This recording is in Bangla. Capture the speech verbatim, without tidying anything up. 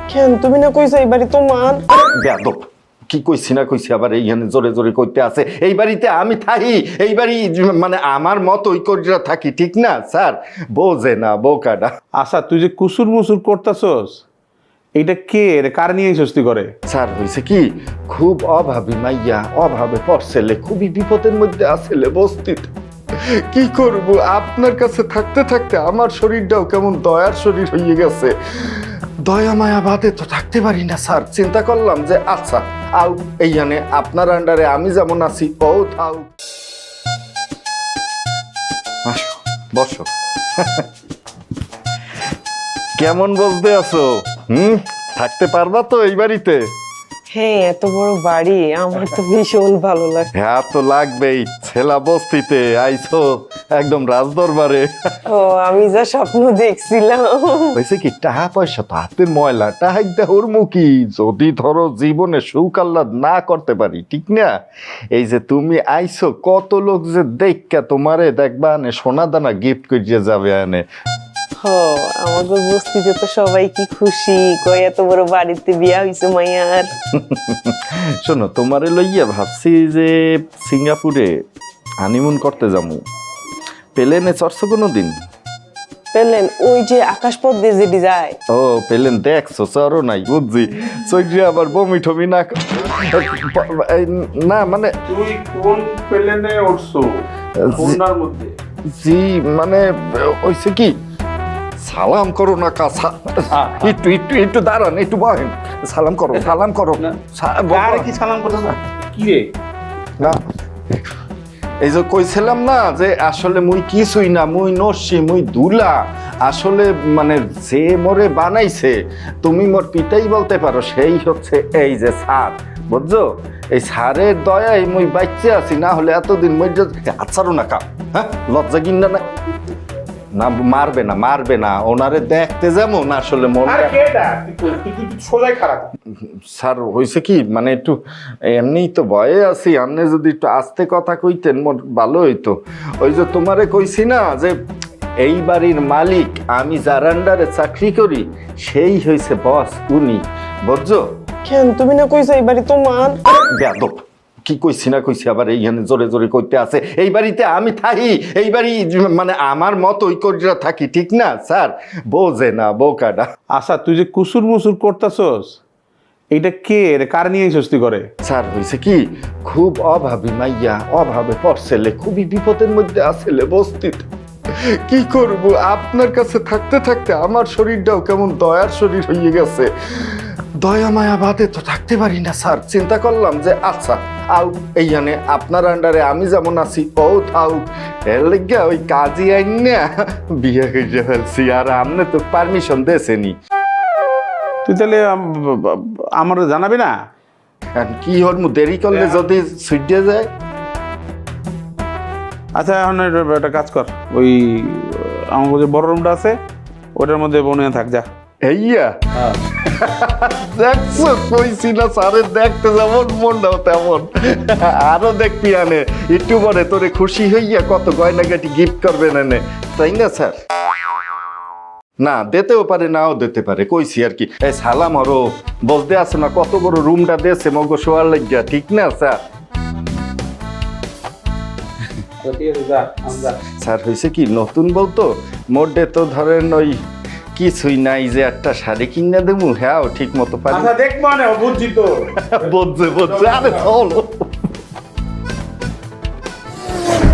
কেন তুমি না কইছো এই বাড়ি তোমার? বেয়াদব, কি কইছি না কইছি আবার এইখানে জোরে জোরে কইতে আছে। এই বাড়িতে আমি থাকি, এই বাড়ি মানে আমার মতোই কইরা থাকি, ঠিক না স্যার? বোঝে না বোকাটা। আচ্ছা তুই যে কুসুর মুসুর করতেছস, এইটা কে রে, কার নিয়ে সস্তি করে? স্যার হয়েছে কি, খুব অভাবী মাইয়া, অভাবে পড়ছেলে, খুবই বিপদের মধ্যে আসলে বস্তিতে। কি করব, আপনার কাছে থাকতে থাকতে আমার শরীরটাও কেমন দয়ার শরীর হয়ে গেছে। দয়া মায়া বাদে তো থাকতে পারি না স্যার। চিন্তা করলাম যে আচ্ছা আউ এইখানে আপনার আন্ডারে আমি যেমন আছি ও থাও। আসো বসো। কেমন বলতে আছো? হুম, থাকতে পারবা তো এই বাড়িতে? হ্যাঁ, এত বড় বাড়ি আমার তো ভীষণ ভালো লাগে। হ্যাঁ তো লাগবেই, ছেলা বস্তিতে আইছো একদম রাজদরবারে। ও আমি যা স্বপ্ন দেখছিলাম। হয়েছে কি, টাকা পয়সা তো হাতের ময়লা, টাকা দেহর মুখী। যদি ধরো জীবনে সুখ আহ্লাদ না করতে পারি, ঠিক না? এই যে তুমি আইছো, কত লোক যে দেখা তোমারে দেখবা আনে সোনা দানা গিফট করিয়ে যাবে আনে। হ, আমাদের বস্তিতে তো সবাই কি খুশি, কই এত বড় বাড়িতে বিয়া হইছে মাইয়ার। শোনো, তোমারে লইয়া ভাবছি যে সিঙ্গাপুরে হানিমুন করতে যাবো। প্লেনে চড়ছো কোনো দিন? পেলেন ওই যে আকাশপথ দিয়ে যেটি যায়। ও প্লেন দেখছো, চড়ো নাই বুঝছি। চৈত্রে আবার বমি টমি না না মানে তুই কোন প্লেনে উঠছো? কোনটার মধ্যে? জি মানে হইছে কি, সালাম করো না কাছা, একটু একটু একটু দাঁড়ান, একটু বহেন, সালাম করো সালাম করো। আরে কি সালাম করছ না কি রে? না এই যে কইছিলাম না যে আসলে মুই কিছুই না, মুই নস্যি, মুই দুলা। আসলে মানে যে মোরে বানাইছে, তুমি মোর পিতাই বলতে পারো, সেই হচ্ছে এই যে স্যার, বুঝছো? এই স্যারের দয়ায় মুই বাচ্চা আছি, না হলে এতদিন মই আচ্ছারও না কা। হ্যাঁ, লজ্জা কিনা না না মারবে না মারবে না, ওনারে দেখতে যেমন আসলে মনে। স্যার হয়েছে কি, মানে একটু এমনিই তো ভয়ে আছি, আপনি যদি একটু আস্তে কথা কইতেন মোর ভালো হইতো। ওই যে তোমারে কইছি না যে এই বাড়ির মালিক আমি, যার আন্ডারে চাকরি করি সেই হয়েছে বস, উনি, বুঝছো? কেন তুমি না কইছো এই বাড়ি তোমার? বেয়াদব, কি কইছি না কইছি আবার এইখানে জোরে জোরে কইতে আছে। এই বাড়িতে আমি থাকি, এই বাড়ি মানে আমার মতোই কইরা থাকি, ঠিক না স্যার? বোঝে না বোকাটা। আচ্ছা তুই যে কুসুর মুসুর করতেছস, এইটা কে রে, কার নিয়ে সস্তি করে? স্যার হয়েছে কি, খুব অভাবী মাইয়া, অভাবে পড়ছেলে, খুবই বিপদের মধ্যে আসলে বস্তিতে। কি করব, আপনার কাছে থাকতে থাকতে আমার শরীরটাও কেমন দয়ার শরীর হয়ে গেছে। দয়া মায়া বাদে তো থাকতে পারি না স্যার। চিন্তা করলাম যে আচ্ছা আউ এইখানে আপনার আন্ডারে আমি যেমন আছি ও থাও। এর লেগে ওই কাজী আইন না বিয়ে করে ফেলছি, আর আপনি তো পারমিশন দিয়েছেনি। তুই তাহলে আমার জানাবি না? কি হল, দেরি করলে যদি ছুটিয়ে যায়। আচ্ছা এখন একটা কাজ কর, ওই আমার যে বড় রুমটা আছে ওটার মধ্যে বনে থাক যা। এইয়া দেখছো, কইছি না স্যারের দেখতে যেমন মনটাও তেমন। আরো দেখবি আনে একটু পরে তোরে খুশি হইয়া কত গয়নাগাটি গিফট করবেন এনে, তাই না স্যার? না দিতেও পারে, নাও দিতে পারে, কইছি আর কি। এই সালাম আরো বলতে আছে না, কত বড় রুমটা দিয়েছে মগ শোয়ার লাগিয়া, ঠিক না স্যার? স্যার হয়েছে কি, নতুন বলতো মোডে তো ধরেন ওই কিছুই নাই যে একটা শাড়ি কিনে দেবো, হ্যাঁ ঠিক মতো পারি। দেখবো না, বুঝছি তো। বুঝছে বুঝছে, আরে চলো।